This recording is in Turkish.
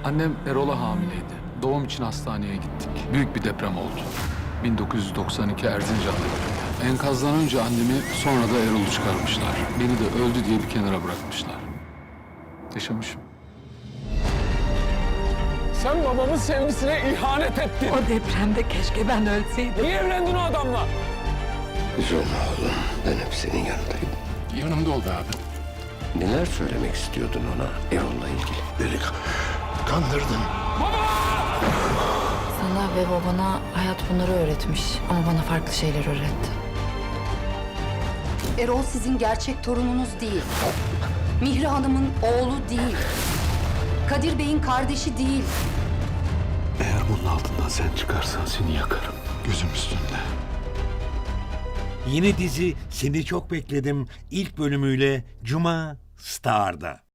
Annem Erol'a hamileydi. Doğum için hastaneye gittik. Büyük bir deprem oldu. 1992 Erzincan'da. Enkazdan önce annemi, sonra da Erol'u çıkarmışlar. Beni de öldü diye bir kenara bırakmışlar. Yaşamışım. Sen babamın sevgisine ihanet ettin. O depremde keşke ben ölseydim. Niye evlendin o adamla? Üzülme oğlum. Ben hep senin yanındayım. Yanımda oldu abi. Neler söylemek istiyordun ona Erol'la ilgili? Beni kandırdın. Sana ve babana hayat bunları öğretmiş ama bana farklı şeyler öğretti. Erol sizin gerçek torununuz değil. Mihri Hanım'ın oğlu değil. Kadir Bey'in kardeşi değil. Eğer bunun altından sen çıkarsan seni yakarım. Gözüm üstünde. Yeni dizi Seni Çok Bekledim ilk bölümüyle Cuma Star'da.